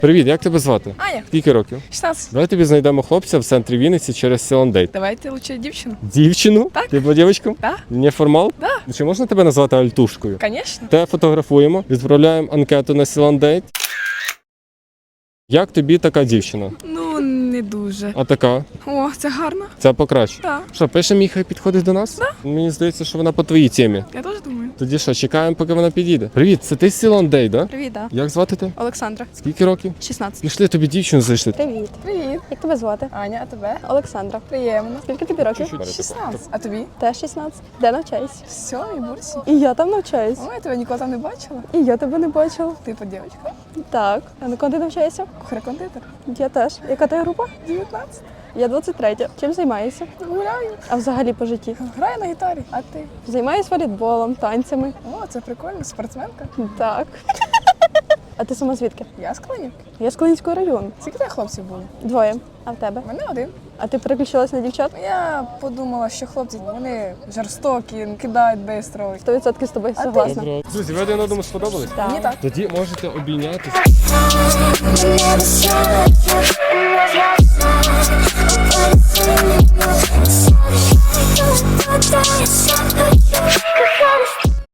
Привіт, як тебе звати? Аня, Скільки років? 16. Давай тобі знайдемо хлопця в центрі Вінниці через Селандейт. Давайте лучше дівчину. Дівчину? Так. Ти була дівчинком? Да. Неформал? Да. Чи можна тебе назвати альтушкою? Конечно. Те фотографуємо, відправляємо анкету на Селандейт. Як тобі така дівчина? Ну, не дуже. А така? О, це гарно. Ця покраще. Так, Що, пишемо, хай підходить до нас? Да. Мені здається, що вона по твоїй темі. я теж думаю. Тоді що, чекаємо, поки вона підійде. Привіт, це ти з Селандейт, да? Привіт, да. Як звати тебе? Олександра. Скільки років? 16. Пішли тобі дівчину зайшли. Привіт. Привіт. Як тебе звати? Аня, а тебе? Олександра. Приємно. Скільки тобі років? 16. А тобі? Теж 16. Де навчаєшся? В сьомій бурсі. І я там навчаюсь. О, я тебе ніколи там не бачила. І я тебе не бачила. Ти по дівчинка. Так. А на кого ти навчаєшся? Кухар-кондитер. Я теж. Яка ти група? 19. Я 23. Чим займаєшся? Гуляю. А взагалі по житті? Граю на гітарі. А ти? Займаюсь волейболом, танцями. О, це прикольно. Спортсменка. Так. А ти сама звідки? Я з Клинівки. Я з Клинського району. Скільки тебе хлопців було? 2. А в тебе? У мене один. А ти переключилась на дівчат? Я подумала, що хлопці, вони жорстокі, кидають швидко. 100% з тобою А ти? согласна. Друзі, ви один одному сподобались? Мені так. Тоді можете обійнятися. Never saw it.